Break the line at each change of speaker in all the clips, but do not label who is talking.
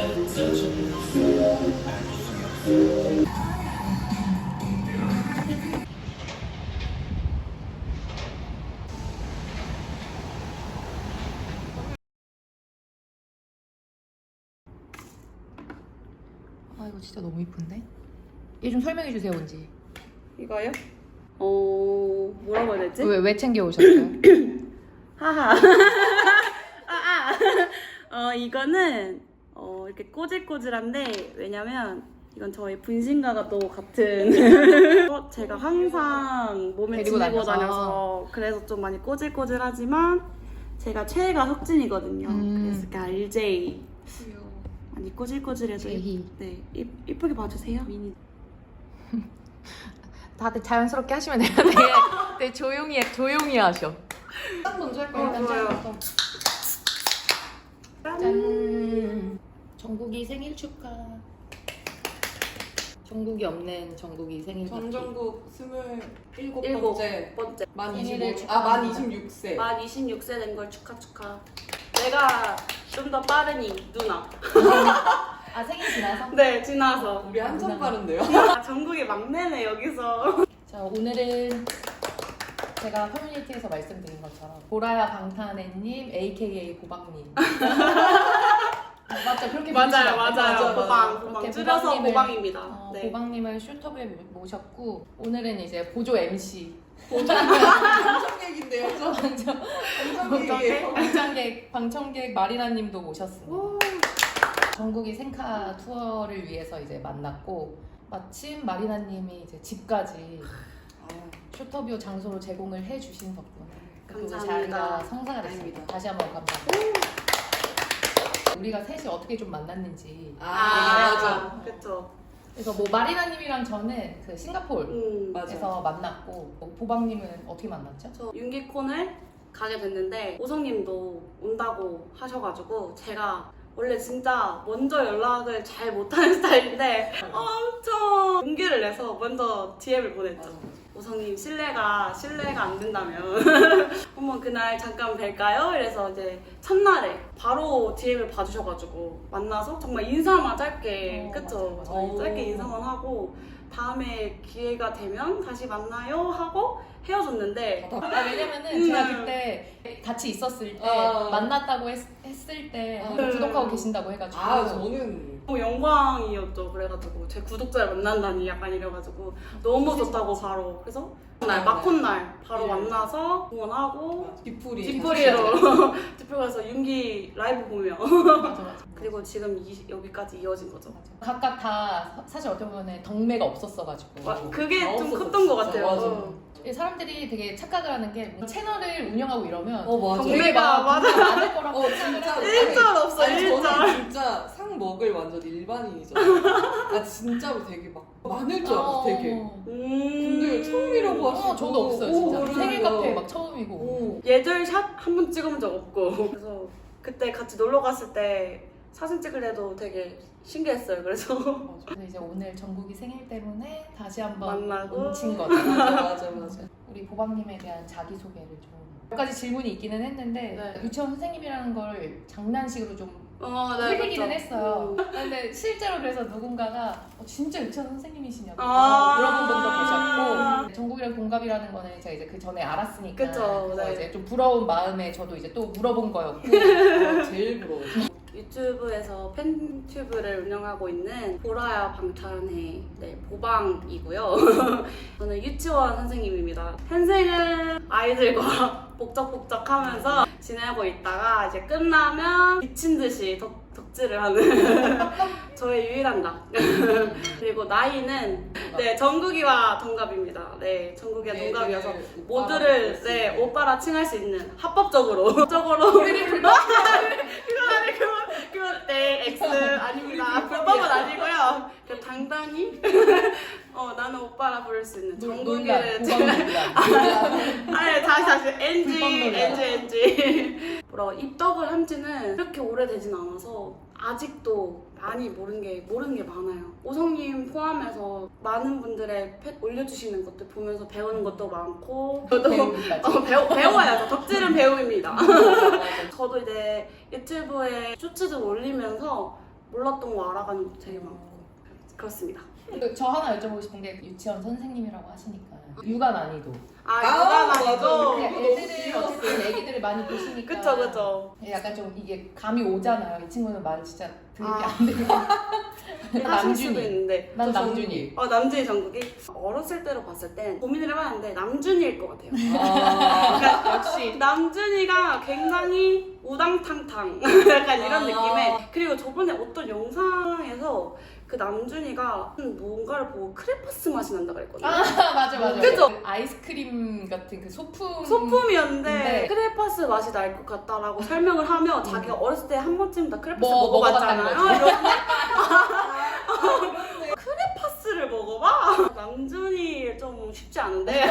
아 이거 진짜 너무 이쁜데? 얘 좀 설명해 주세요 뭔지.
이거요? 뭐라고 해야 되지?
왜 챙겨 오셨어요?
하하. 이거는 이렇게 꼬질꼬질한데 왜냐면 이건 저희 분신과가 또 같은 제가 항상 몸에
데리고
지니고
다녀서.
다녀서 그래서 좀 많이 꼬질꼬질하지만 제가 최애가 석진이거든요. 그래서 이렇게 RJ 많이 꼬질꼬질해서
제희.
네 이쁘게 봐주세요. 미니.
다들 자연스럽게 하시면 돼요. 되게 조용히 하셔. 딱 먼저 할까요? 일단
좋아요.
짠부터. 짠. 정국이 생일 축하. 정국이 없는 정국이 생일 파티.
전정국 27번째
일곱 번째.
만
생일을
25, 만
축하합니다.
26세.
만 26세 된 걸 축하. 내가 좀 더 빠르니 누나.
아 생일 지나서?
네 지나서.
우리 한참 빠른데요?
아, 전국의 막내네 여기서.
자 오늘은 제가 커뮤니티에서 말씀드린 것처럼 보라야 방탄애님 AKA 보방님. 맞죠? 그렇게
맞아요.
맞아.
보방
그렇게
줄여서
보방님을-
보방입니다. 네.
보방님을 슈터브에 모셨고 오늘은 이제 보조 MC
방청 얘기인데요, 저? 방청 얘기예요.
방청객 마리나님도 모셨습니다. 전국이 생카 투어를 위해서 이제 만났고 마침 마리나님이 이제 집까지 슈터뷰 장소로 제공을 해주신 덕분에 그
감사합니다.
자리가 성사가 됐습니다. 다시 한번 감사합니다. 우리가 셋이 어떻게 좀 만났는지
맞아.
그쵸.
그래서 뭐 마리나님이랑 저는 그 싱가포르에서
맞아.
만났고 보방님은 어떻게 만났죠?
저 윤기콘을 가게 됐는데 오성님도 온다고 하셔가지고 제가 원래 진짜 먼저 연락을 잘 못하는 스타일인데 엄청 용기를 내서 먼저 DM을 보냈죠. 오성님 실례가 안 된다면 한번 그날 잠깐 뵐까요? 이래서 이제 첫날에 바로 DM을 봐주셔가지고 만나서 정말 인사만 짧게 그쵸?
맞아.
저희 짧게 인사만 하고 다음에 기회가 되면 다시 만나요 하고 헤어졌는데
왜냐면은 제가 그때 같이 있었을 때 만났다고 했을 때 구독하고 계신다고 해가지고
저는
너무 영광이었죠. 그래가지고 제 구독자를 만난다니 약간 이래가지고 너무 좋다고 바로 그래서 날 마콘날 바로 만나서 응원하고 뒷풀이로 가서 윤기 라이브 보며
맞아.
그리고 지금 여기까지 이어진 거죠.
각각 다 사실 어떻게 보면 덕매가 없었어가지고
그게 좀
없었어,
컸던 것
진짜.
같아요.
사람들이 되게 착각을 하는 게 채널을 운영하고 이러면
맞아.
되게
덕매가
막
맞아.
많을 거라고 생각을
진짜.
하고
일절 없어, 일절.
저는 진짜 상 먹을 완전 일반인이죠. 진짜로 되게 막 많을 줄 알았어, 되게. 근데 처음이라고 하시고.
저도 없어요 진짜.
그래요.
생일 카페 막 처음이고.
예절샷 한 번 찍어본 적 없고 그래서 그때 같이 놀러 갔을 때 사진 찍을래도 되게 신기했어요. 그래서
그래서 이제 오늘 정국이 생일 때문에 다시 한번
만나고.
뭉친 거죠.
맞아.
우리 보방님에 대한 자기소개를 좀 몇 가지 질문이 있기는 했는데
네.
유치원 선생님이라는 걸 장난식으로 좀
네,
흘리기는
그렇죠.
했어요. 근데 실제로 그래서 누군가가 진짜 유치원 선생님이시냐고
아.
물어본 분도 계셨고 정국이랑 동갑이라는 거는 제가 이제 그 전에 알았으니까
그쵸,
그래서
네.
이제 좀 부러운 마음에 저도 이제 또 물어본 거였고
제일 부러워.
유튜브에서 팬튜브를 운영하고 있는 보라야 방탄의 보방이고요. 저는 유치원 선생님입니다. 현생은 아이들과 복적복적하면서 지내고 있다가 이제 끝나면 미친 듯이 덕질을 하는 저의 유일한 낙. 그리고 나이는 정국이와 동갑입니다. 정국이와 동갑이어서 모두를 오빠라 칭할 수 있는 합법적으로 그건 X 아닙니다. 불법은 아니고요. 그냥 당당히 나는 오빠라 부를 수 있는 정국이를 다시 NG 뭐라고 입덕을 한 지는 그렇게 오래되진 않아서 아직도 많이 모르는 게 많아요. 오성님 포함해서 많은 분들의 펫 올려주시는 것들 보면서 배우는 것도 많고 배워야죠. 덕질은 배움입니다. 저도 이제 유튜브에 쇼츠도 올리면서 몰랐던 거 알아가는 것도 되게 많고 그렇습니다.
저 하나 여쭤보고 싶은 게 유치원 선생님이라고 하시니까 육아 난이도.
육아
맞아.
난이도.
그냥 애들을 어쨌든 애기들을 많이 보시니까.
그쵸.
약간 좀 이게 감이 오잖아요. 이 친구는 말 진짜 들을 게 안 되고.
하실 수도
남준이.
있는데.
난 남준이.
남준이 정국이 어렸을 때로 봤을 땐 고민을 해봤는데 남준이일 것 같아요.
역시.
남준이가 굉장히 우당탕탕 약간 이런 느낌에. 그리고 저번에 어떤 영상에서 그 남준이가 뭔가를 보고 크레파스 맛이 난다 그랬거든요.
맞아.
그죠?
그 아이스크림 같은 그 소품.
소품이었는데
네.
크레파스 맛이 날 것 같다라고 설명을 하며 자기가 어렸을 때 한 번쯤 다 크레파스
뭐,
먹어봤잖아요.
먹어봤다는
이러는데 크레파스를 먹어봐? 남준이 좀 쉽지 않은데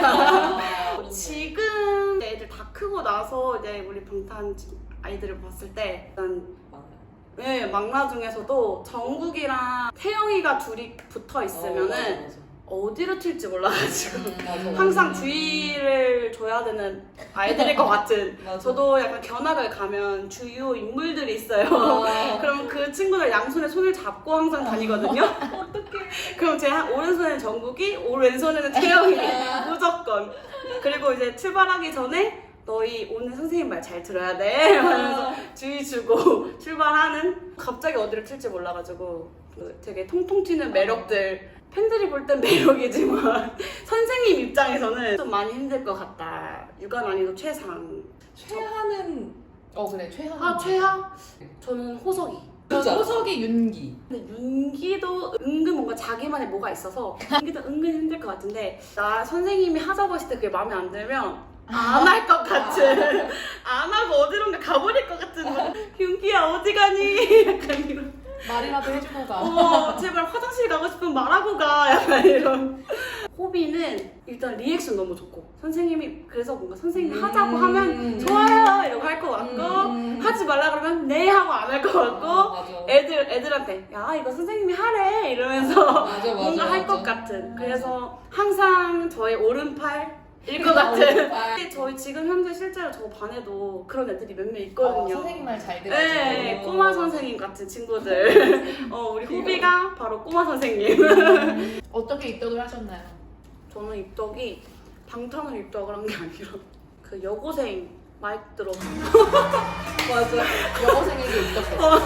지금 애들 다 크고 나서 이제 우리 방탄 아이들을 봤을 때 일단 네, 막나 중에서도 정국이랑 태영이가 둘이 붙어 있으면은
맞아.
어디로 튈지 몰라가지고
맞아.
항상 주의를 줘야 되는 아이들일 것 같은.
맞아.
저도 약간 견학을 가면 주요 인물들이 있어요. 그럼 그 친구들 양손에 손을 잡고 항상 다니거든요.
어떡해.
그럼 제 오른손에는 정국이, 오른손에는 태영이 무조건. 그리고 이제 출발하기 전에 너희 오늘 선생님 말 잘 들어야 돼 하면서 주의 주고 출발하는. 갑자기 어디를 튈지 몰라가지고 되게 통통 튀는 매력들. 팬들이 볼 땐 매력이지만 선생님 입장에서는 좀 많이 힘들 것 같다. 육아 난이도 최상.
최하는
그래 최하.
최하? 저는 호석이.
진짜?
호석이 윤기.
근데 윤기도 은근 뭔가 자기만의 뭐가 있어서 윤기도 은근 힘들 것 같은데 나 선생님이 하자고 했을 때 그게 마음에 안 들면 안 할 것 같은. 안 하고 어디론가 가버릴 것 같은. 윤기야 어디 가니? 약간 이런.
말이라도 해주고 가.
제발 화장실 가고 싶으면 말하고 가. 약간 이런. 호비는 일단 리액션 너무 좋고 선생님이 그래서 뭔가 선생님이 하자고 하면 좋아요 이러고 할 것 같고 하지 말라 그러면 네 하고 안 할 것 같고
맞아.
애들한테 야 이거 선생님이 하래 이러면서
맞아,
뭔가 할 것
맞아.
같은. 그래서 항상 저의 오른팔일 것 같은. 근데 저희 지금 현재 실제로 저 반에도 그런 애들이 몇 명 있거든요.
선생님 말 잘 들어주고.
네, 꼬마 선생님 같은 친구들. 우리 후비가 바로 꼬마 선생님.
어떻게 입덕을 하셨나요?
저는 입덕이 방탄으로 입덕을 한 게 아니라 그 여고생 마이크 들어.
맞아.
여고생에게 입덕했어.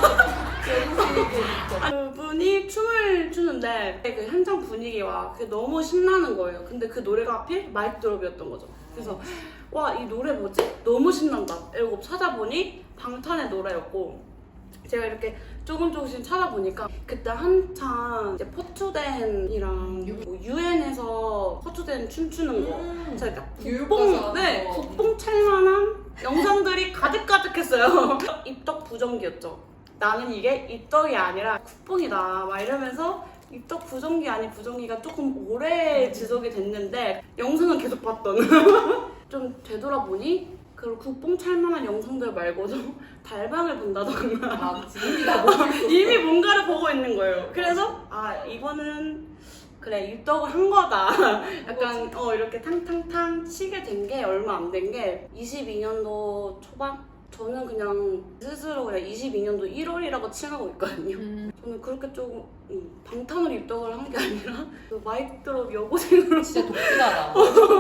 그분이 춤을 추는데 그 현장 분위기와 그게 너무 신나는 거예요. 근데 그 노래가 하필 마이크 드롭이었던 거죠. 그래서 와, 이 노래 뭐지? 너무 신난다. 이러고 찾아보니 방탄의 노래였고 제가 이렇게 조금씩 찾아보니까 그때 한창 이제 포투댄이랑 유엔에서 포투댄 춤추는 거 제가 국뽕 찰만한 영상들이 가득가득했어요. 입덕 부정기였죠. 나는 이게 입덕이 아니라 국뽕이다 막 이러면서 입덕 부정기 아닌 부정기가 조금 오래 지속이 됐는데 영상은 계속 봤던. 좀 되돌아보니 그런 국뽕 찰만한 영상들 말고도 달방을 본다던가 이미 뭔가를 보고 있는 거예요. 그래서 이거는 그래 입덕을 한 거다. 약간 이렇게 탕탕탕 치게 된 게 얼마 안 된 게 22년도 초반? 저는 그냥 스스로 그냥 22년도 1월이라고 칭하고 있거든요. 저는 그렇게 조금 방탄으로 입덕을 한 게 아니라 그 마이크 드롭 여고생으로
진짜 독특하다.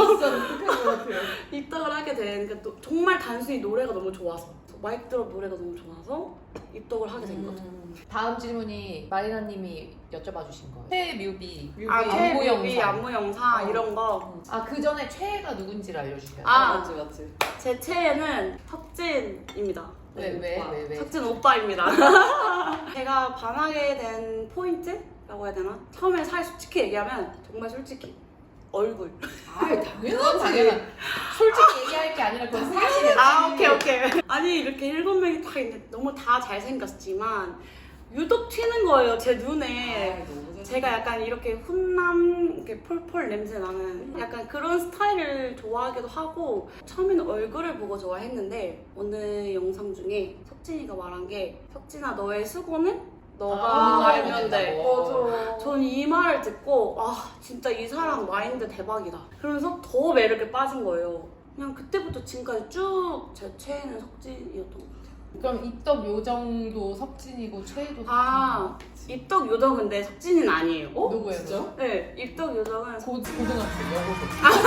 입덕을 하게 된 그 정말 단순히 노래가 너무 좋아서 마이크 드롭 노래가 너무 좋아서 입덕을 하게 된 거죠.
다음 질문이 마리나님이 여쭤봐 주신 거예요. 최애 뮤비.
안무
안무
영상 이런 거.
그 전에 최애가 누군지를 알려주세요.
맞지.
제 최애는 석진입니다.
왜?
석진 오빠입니다. 제가 반하게 된 포인트라고 해야 되나? 처음에 솔직히 얘기하면 정말 솔직히 얼굴.
당연하지.
솔직히 얘기할 게 아니라 그건 사실이야.
오케이. 아니 이렇게 7명이 다 있는데 너무 다 잘생겼지만 유독 튀는 거예요 제 눈에. 제가 약간 이렇게 훈남 이렇게 폴폴 냄새 나는 약간 그런 스타일을 좋아하기도 하고 처음에는 얼굴을 보고 좋아했는데 어느 영상 중에 석진이가 말한 게 석진아 너의 수고는 너가 알면 돼.
맞아.
전 이 말을 듣고 진짜 이 사람 마인드 대박이다. 그러면서 더 매력에 빠진 거예요. 그냥 그때부터 지금까지 쭉 제 최애는 석진이었던 것 같아요.
그럼 입덕 요정도 석진이고 최애도 석진.
아, 입덕 요정인데 석진이는 아니에요.
누구예요?
진짜?
네, 입덕 요정은
고등학생 여고생.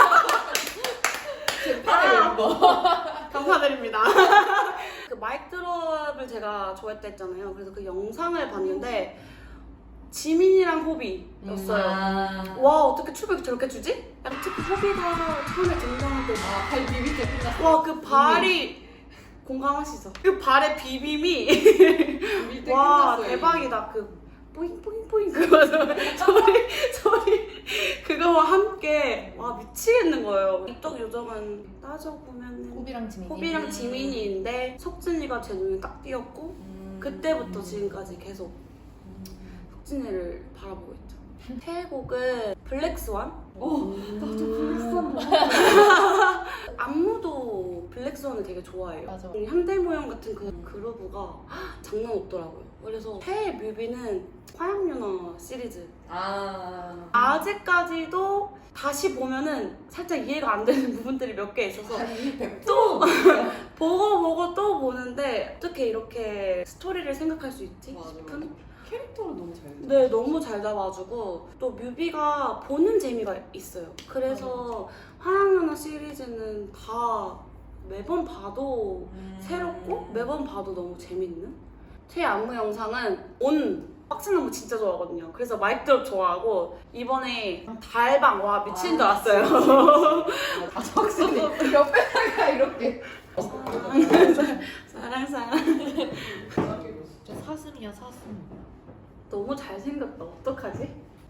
제 팔의 멤버.
감사드립니다. 그 마이크 드롭을 제가 좋아했다 했잖아요. 그래서 그 영상을 봤는데 지민이랑 호비였어요. 와, 어떻게 춤을 저렇게 추지? 약간 특히 호비가 처음에 등장할 때
발 비빌 때 끝났어.
와, 그 발이 공감하시죠? 그 발의 비빔이
비빌 때
와,
끝났어요.
대박이다. 그 뽀잉 뽀잉 뽀잉 그거 소리 그거와 함께 와, 미치겠는 거예요. 입덕 요정은 따져보면
호비랑 지민이.
호비랑 지민이인데 석진이가 제 눈에 딱 띄었고 그때부터 지금까지 계속 석진이를 바라보고 있죠. 최애곡은 블랙스완?
나도 블랙스완
안무도 블랙스완을 되게 좋아해요.
맞아.
현대무용 같은 그 그루브가 장난 없더라고요. 그래서 최애 뮤비는 화양연화 시리즈. 아직까지도 다시 보면은 살짝 이해가 안 되는 부분들이 몇 개 있어서
또
보고 또 보는데 어떻게 이렇게 스토리를 생각할 수 있지
맞아.
싶은?
캐릭터를 너무 잘
네, 너무 잘 잡아주고 또 뮤비가 보는 재미가 있어요. 그래서 화양연화 시리즈는 다 매번 봐도 새롭고 매번 봐도 너무 재밌는? 제 안무 영상은 온 빡치는 거 진짜 좋아하거든요. 그래서 마이크 드롭 좋아하고 이번에 달방 와 미친 줄 알았어요.
확실히 옆에다가 이렇게
사랑
저 사슴이야 사슴.
너무 잘생겼다. 어떡하지?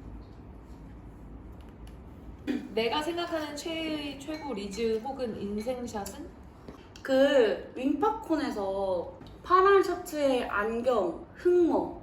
내가 생각하는 최애의 최고 리즈 혹은 인생샷은?
그 윙팝콘에서 파란 셔츠에 안경 흑머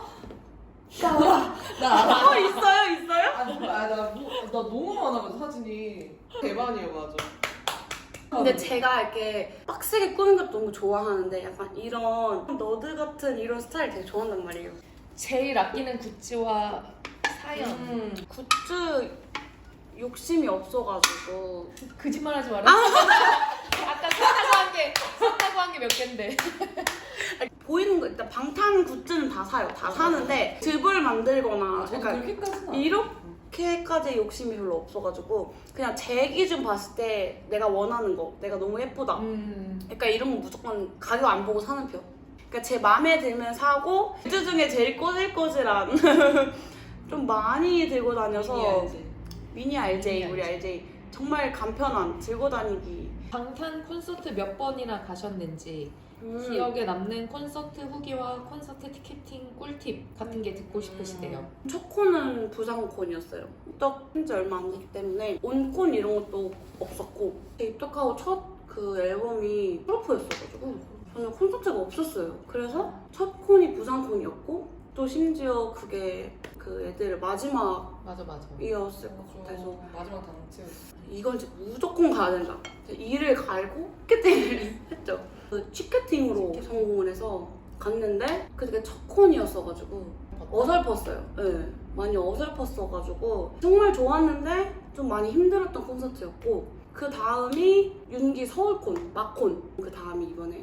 나 알아.
있어요?
나 너무 많아가지고 사진이 대반이에요. 맞아.
근데 제가 이렇게 빡세게 꾸민 것도 너무 좋아하는데 약간 이런 너드 같은 이런 스타일 되게 좋아한단 말이에요.
제일 아끼는 굿즈와 사연.
굿즈 욕심이 없어가지고
거짓말하지 마라. 아까 샀다고 한 게 몇 갠데.
보이는 거 일단 방탄 굿즈는 다 사요. 다 사는데 즙을 만들거나
저도
약간
그렇게까지는 안
이렇게까지 욕심이 별로 없어가지고 그냥 제 기준 봤을 때 내가 원하는 거 내가 너무 예쁘다 그러니까 이런 거 무조건 가격 안 보고 사는 편. 그러니까 제 마음에 들면 사고 굿즈 중에 제일 꼬질꼬질한 좀 많이 들고 다녀서 미니 RJ 우리 RJ 정말 간편한 들고 다니기.
방탄 콘서트 몇 번이나 가셨는지 기억에 남는 콘서트 후기와 콘서트 티켓팅 꿀팁 같은 게 듣고 싶으시대요.
첫 콘은 부산콘이었어요. 입덕한 지 얼마 안 됐기 때문에 온콘 이런 것도 없었고 입덕하고 첫 그 앨범이 프로포였어가지고 저는 콘서트가 없었어요. 그래서 첫 콘이 부산콘이었고 또 심지어 그게 그 애들 마지막이었을
맞아.
것 같아서
마지막 단체였어.
이건 진짜 무조건 가야 된다. 이를 갈고 티켓팅을 했죠. 그 티켓팅으로 성공을 해서 갔는데 그게 첫 콘이었어가지고 어설펐어요. 네, 많이 어설펐어가지고 정말 좋았는데 좀 많이 힘들었던 콘서트였고 그 다음이 윤기 서울콘, 막콘 그 다음이 이번에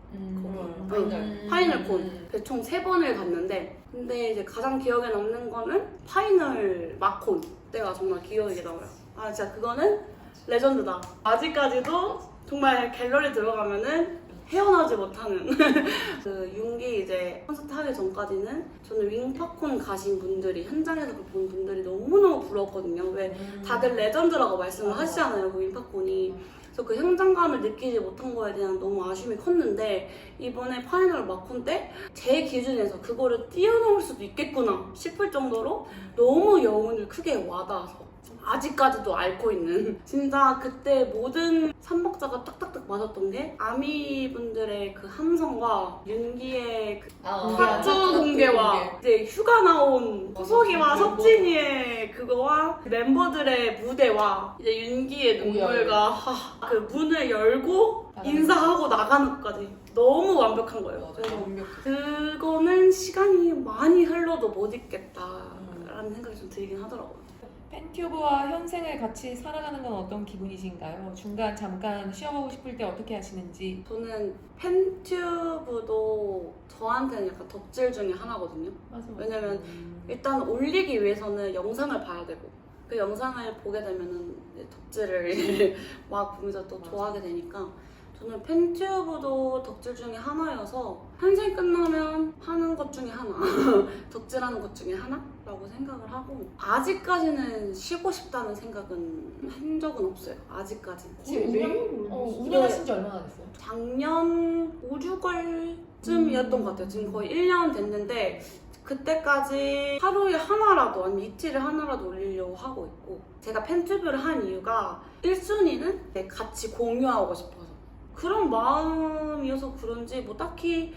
파이널 콘. 그래서 총 3번을 갔는데 근데 이제 가장 기억에 남는 거는 파이널 막콘 때가 정말 기억에 남아요. 아 진짜 그거는 레전드다. 아직까지도 정말 갤러리 들어가면은 헤어나지 못하는 그 윤기 이제 콘서트 하기 전까지는 저는 윙팝콘 가신 분들이 현장에서 본 분들이 너무너무 부러웠거든요. 왜 다들 레전드라고 말씀을 하시잖아요. 그 윙팝콘이. 그래서 그 현장감을 느끼지 못한 거에 대한 너무 아쉬움이 컸는데 이번에 파이널 마콘 때 제 기준에서 그거를 뛰어넘을 수도 있겠구나 싶을 정도로 너무 여운을 크게 와닿아서 아직까지도 앓고 있는 진짜 그때 모든 삼박자가 딱딱딱 맞았던 게 아미분들의 그 함성과 윤기의 그 타투 공개와 이제 휴가 나온 호석이와 석진이의 그거와 멤버들의 무대와 이제 윤기의 눈물과 그 문을 열고 인사하고 나가는 것까지 너무 완벽한 거예요. 그래서 그거는 시간이 많이 흘러도 못 잊겠다라는 생각이 좀 들긴 하더라고요.
팬튜브와 현생을 같이 살아가는 건 어떤 기분이신가요? 중간 잠깐 쉬어가고 싶을 때 어떻게 하시는지.
저는 팬튜브도 저한테는 약간 덕질 중에 하나거든요.
맞아.
왜냐면 일단 올리기 위해서는 영상을 봐야 되고 그 영상을 보게 되면은 이제 덕질을 막 보면서 또
맞아.
좋아하게 되니까 저는 팬튜브도 덕질 중에 하나여서 현생 끝나면 하는 것 중에 하나 덕질하는 것 중에 하나라고 생각을 하고 아직까지는 쉬고 싶다는 생각은 한 적은 없어요. 아직까지는.
지금
매일
운영하신 지 얼마나 됐어요?
작년 5, 6월쯤이었던 것 같아요. 지금 거의 1년 됐는데 그때까지 하루에 하나라도 아니면 이틀에 하나라도 올리려고 하고 있고 제가 팬튜브를 한 이유가 1순위는 같이 공유하고 싶어서 그런 마음이어서 그런지 뭐 딱히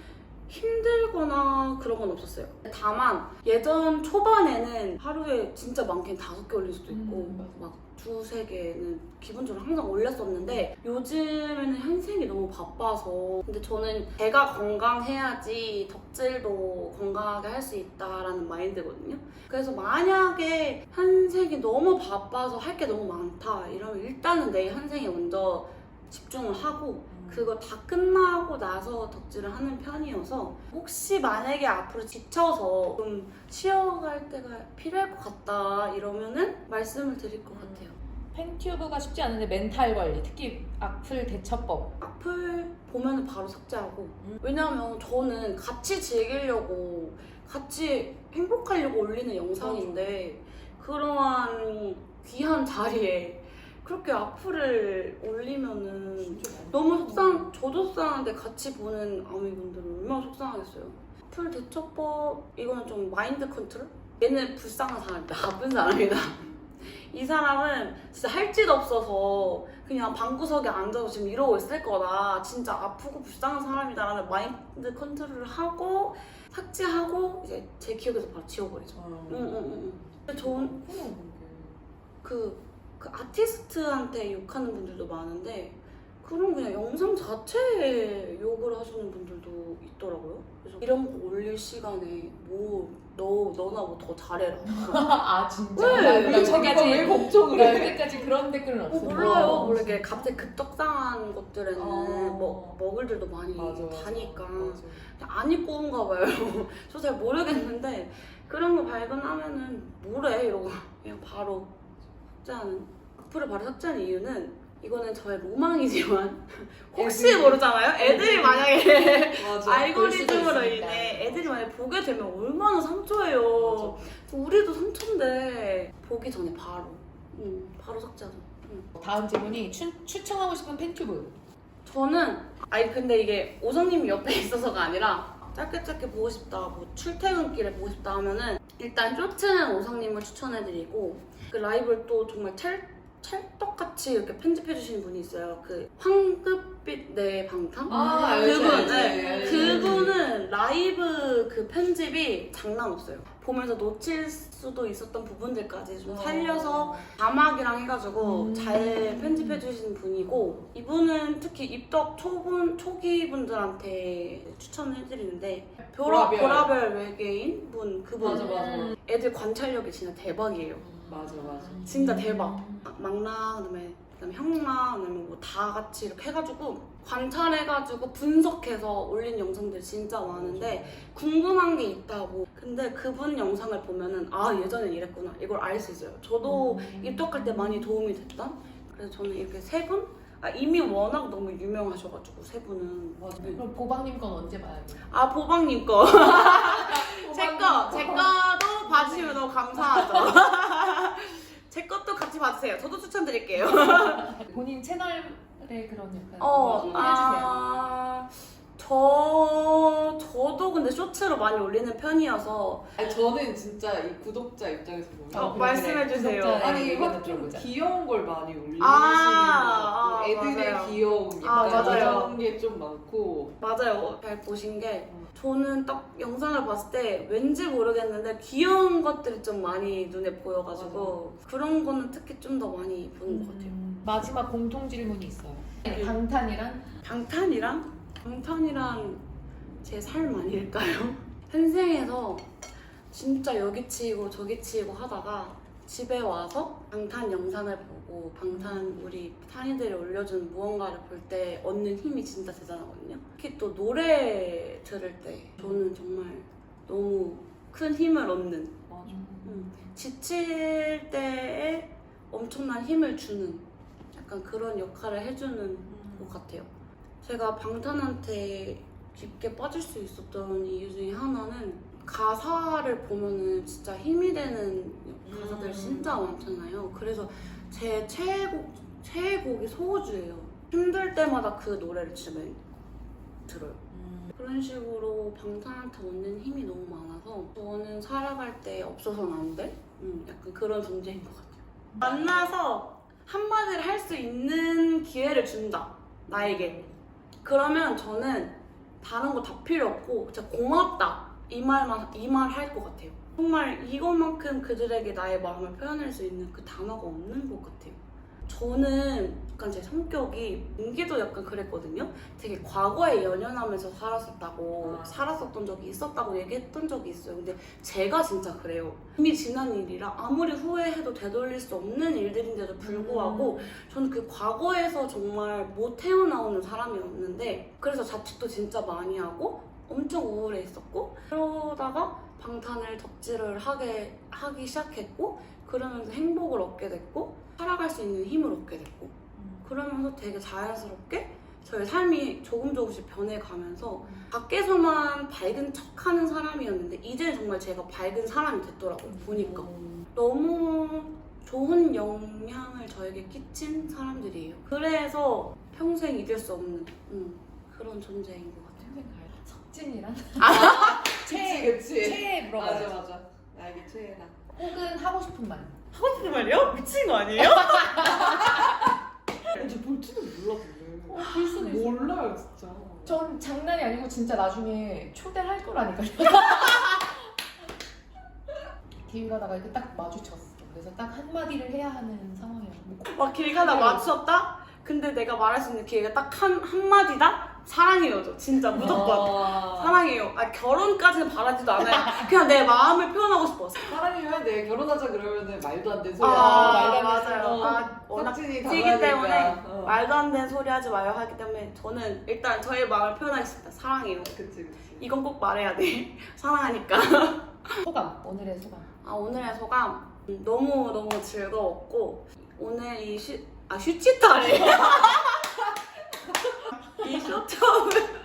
힘들거나 그런 건 없었어요. 다만 예전 초반에는 하루에 진짜 많게는 5개 올릴 수도 있고
맞아.
막 2, 3개는 기본적으로 항상 올렸었는데 요즘에는 현생이 너무 바빠서 근데 저는 제가 건강해야지 덕질도 건강하게 할 수 있다라는 마인드거든요. 그래서 만약에 현생이 너무 바빠서 할 게 너무 많다 이러면 일단은 내 현생에 먼저 집중을 하고 그거 다 끝나고 나서 덕질을 하는 편이어서 혹시 만약에 앞으로 지쳐서 좀 쉬어갈 때가 필요할 것 같다 이러면은 말씀을 드릴 것 같아요.
팬튜브가 쉽지 않은데 멘탈 관리, 특히 악플 대처법.
악플 보면은 바로 삭제하고 왜냐면 저는 같이 즐기려고 같이 행복하려고 올리는 영상인데 그러한 귀한 자리에 그렇게 악플을 올리면은 너무 저도 속상한데 같이 보는 아미분들은 얼마나 속상하겠어요. 악플 대처법 이거는 좀 마인드 컨트롤? 얘는 불쌍한 사람이다. 나쁜 사람이다. 이 사람은 진짜 할 짓 없어서 그냥 방구석에 앉아서 지금 이러고 있을 거다. 진짜 아프고 불쌍한 사람이다라는 마인드 컨트롤을 하고 삭제하고 이제 제 기억에서 바로 지워버리죠. 근데 저는 그 아티스트한테 욕하는 분들도 많은데 그런 그냥 영상 자체에 욕을 하시는 분들도 있더라고요. 그래서 이런 거 올릴 시간에 뭐 너나 뭐 더 잘해라.
아 진짜?
네.
여기까지
왜 걱정을 해?
여기까지 그런 댓글은 없어.
몰라요. 원래 이게 갑자기 급떡상한 것들에는
어.
뭐 먹을들도 많이
맞아.
다니까
맞아.
안 입고 온가 봐요. 저 잘 모르겠는데 그런 거 발견하면은 뭐래 이러고 그냥 바로 삭제하는. 악플을 바로 삭제하는 이유는 이거는 저의 로망이지만 혹시
애들이.
모르잖아요. 애들이 만약에
맞아.
알고리즘으로
있습니다.
인해 애들이 만약에 보게 되면 얼마나 상처예요. 우리도 상처인데 보기 전에 바로 삭제하죠.
다음 질문이 추천하고 싶은 팬튜브.
저는 근데 이게 오성님이 옆에 있어서가 아니라 짧게 보고 싶다, 뭐 출퇴근길에 보고 싶다 하면은 일단 쇼츠는 오성님을 추천해드리고 그 라이브를 또 정말 찰떡같이 이렇게 편집해주시는 분이 있어요. 그 황급빛 내 방탄?
알지,
그분,
알지.
그분은 라이브 그 편집이 장난 없어요. 보면서 놓칠 수도 있었던 부분들까지 좀 살려서 자막이랑 해가지고 잘 편집해주시는 분이고 이분은 특히 입덕 초기 분들한테 추천해드리는데 보라별 외계인 분 그분
맞아.
애들 관찰력이 진짜 대박이에요.
맞아.
진짜 대박. 막랑 그다음에 형랑 그다음에 뭐 다 같이 이렇게 해가지고 관찰해가지고 분석해서 올린 영상들 진짜 많은데 궁금한 게 있다고. 근데 그분 영상을 보면은 예전엔 이랬구나 이걸 알 수 있어요. 저도 입덕할 때 많이 도움이 됐던. 그래서 저는 이렇게 세 분? 이미 워낙 너무 유명하셔가지고 세 분은.
맞아.
그럼 보방님 건 언제 봐야 돼?
보방님 거. 제 거도 봐주시면 너무 감사하죠. 제 것도 같이 봐주세요. 저도 추천드릴게요.
본인 채널에 그런 약간
해주세요. 저도 근데 쇼츠로 많이 올리는 편이어서
저는 진짜 이 구독자 입장에서 보면
말씀해주세요.
아니
이거
좀
들어보자.
귀여운 걸 많이 올리시는 것
아,
같고 애들의
맞아요.
귀여움
맞아요.
이런 게 좀 많고
맞아요. 잘 보신 게 저는 딱 영상을 봤을 때 왠지 모르겠는데 귀여운 것들이 좀 많이 눈에 보여가지고 그런 거는 특히 좀 더 많이 보는 것 같아요.
마지막 공통 질문이 있어요. 방탄이랑
방탄이랑 제 삶 아닐까요? 현생에서 진짜 여기 치이고 저기 치이고 하다가 집에 와서 방탄 영상을 보고 방탄 우리 탄이들이 올려준 무언가를 볼 때 얻는 힘이 진짜 대단하거든요. 특히 또 노래 들을 때 저는 정말 너무 큰 힘을 얻는,
맞아.
지칠 때에 엄청난 힘을 주는 약간 그런 역할을 해주는 것 같아요. 제가 방탄한테 깊게 빠질 수 있었던 이유 중에 하나는 가사를 보면은 진짜 힘이 되는 가사들 진짜 많잖아요. 그래서 제 최애곡이 소호주예요. 힘들 때마다 그 노래를 진짜 많이 들어요. 그런 식으로 방탄한테 얻는 힘이 너무 많아서 저는 살아갈 때 없어서는 안 돼? 약간 그런 존재인 것 같아요. 만나서 한마디를 할 수 있는 기회를 준다, 나에게. 그러면 저는 다른 거 다 필요 없고 진짜 고맙다 이 말 할 것 같아요. 정말 이것만큼 그들에게 나의 마음을 표현할 수 있는 그 단어가 없는 것 같아요. 저는 약간 제 성격이 은기도 약간 그랬거든요. 되게 과거에 연연하면서 살았었던 적이 있었다고 얘기했던 적이 있어요. 근데 제가 진짜 그래요. 이미 지난 일이라 아무리 후회해도 되돌릴 수 없는 일들인데도 불구하고 저는 그 과거에서 정말 못 헤어나오는 사람이었는데, 그래서 자책도 진짜 많이 하고 엄청 우울해했었고, 그러다가 방탄을 덕질을 하기 시작했고, 그러면서 행복을 얻게 됐고 살아갈 수 있는 힘을 얻게 됐고, 그러면서 되게 자연스럽게 저의 삶이 조금씩 변해가면서 밖에서만 밝은 척하는 사람이었는데 이제는 정말 제가 밝은 사람이 됐더라고요. 보니까 너무 좋은 영향을 저에게 끼친 사람들이에요. 그래서 평생 잊을 수 없는 그런 존재인 것 같아요.
평생 가요. 석진이랑
그치.
최애 물어봐요.
맞아. 나에게 최애다.
혹은 하고 싶은 말.
하고 싶은 말이요? 미친 거 아니에요?
저 볼지는 몰라 근데.
볼 수도 있어.
몰라요 진짜.
전 장난이 아니고 진짜 나중에 초대를 할 거라니까요. 길 가다가 이렇게 딱 마주쳤어. 그래서 딱 한마디를 해야 하는 상황이었고.
막 길 가다 마주쳤다? 근데 내가 말할 수 있는 기회가 딱 한마디다? 사랑해요죠. 진짜 무조건. 사랑해요. 결혼까지는 바라지도 않아요. 그냥 내 마음을 표현하고 싶었어.
사랑해야 돼. 결혼하자 그러면은 말도 안 되는 소리.
맞아요. 워낙
찌기
찌기 때문에
어.
말도 안 되는 소리 하지 마요 하기 때문에 저는 일단 저의 마음을 표현하겠습니다. 사랑해요.
그치.
이건 꼭 말해야 돼. 사랑하니까.
소감. 오늘의 소감.
오늘의 소감 너무 즐거웠고, 오늘 이 슈치타래. 이 쇼트업을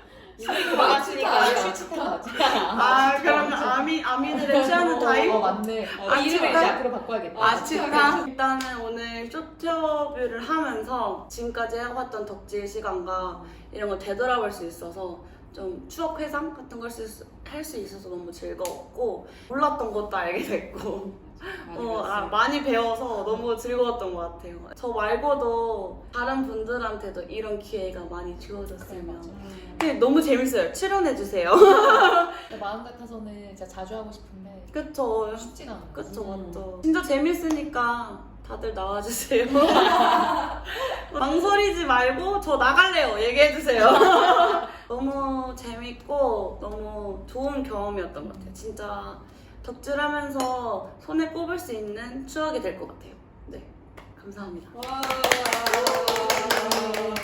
그러면 아미들의 취하는 타임?
맞네.
아,
이름을 이제
진짜?
앞으로 바꿔야겠다.
일단은 오늘 쇼트업을 하면서 지금까지 해왔던 덕질 시간과 이런 거 되돌아볼 수 있어서 좀 추억 회상 같은 걸 할 수 있어서 너무 즐거웠고, 몰랐던 것도 알게 됐고 많이 배워서 너무 즐거웠던 것 같아요. 저 말고도 다른 분들한테도 이런 기회가 많이 주어졌으면. 근데 너무 재밌어요. 출연해주세요.
마음 같아서는 진짜 자주 하고 싶은데
그쵸.
쉽지가 않아.
그쵸, 맞죠. 진짜 재밌으니까 다들 나와주세요. 망설이지 말고 저 나갈래요. 얘기해주세요. 너무 재밌고 너무 좋은 경험이었던 것 같아요. 진짜 덕질하면서 손에 꼽을 수 있는 추억이 될 것 같아요. 네, 감사합니다.
와.